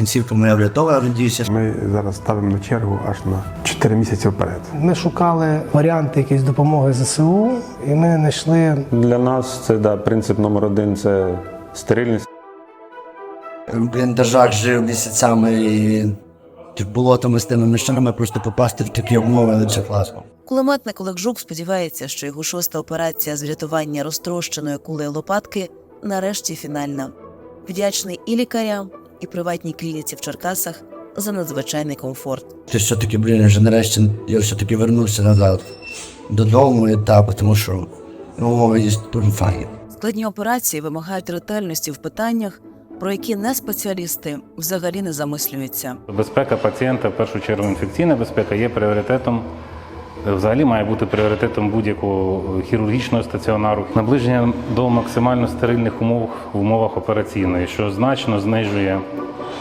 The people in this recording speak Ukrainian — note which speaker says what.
Speaker 1: кінцівка моя врятована, надіюся.
Speaker 2: Ми зараз ставимо на чергу аж на 4 місяці вперед.
Speaker 3: Ми шукали варіанти якоїсь допомоги ЗСУ, і ми знайшли.
Speaker 4: Для нас це принцип номер один – це стерильність.
Speaker 1: В бліндажах жив місяцями і болотами з тими мішами, просто попасти в такі умови, це класно.
Speaker 5: Кулеметник Олег Жук сподівається, що його 6-та операція з врятування розтрощеної кулею лопатки нарешті фінальна. Вдячний і лікарям, і приватній клініці в Черкасах за надзвичайний комфорт.
Speaker 1: Ти все-таки, вже нарешті я все-таки вернувся назад додому і тому що умови є дуже файні.
Speaker 5: Складні операції вимагають ретельності в питаннях, про які неспеціалісти взагалі не замислюються.
Speaker 6: Безпека пацієнта, в першу чергу інфекційна безпека, є пріоритетом. Взагалі має бути пріоритетом будь-якого хірургічного стаціонару. Наближення до максимально стерильних умов в умовах операційної, що значно знижує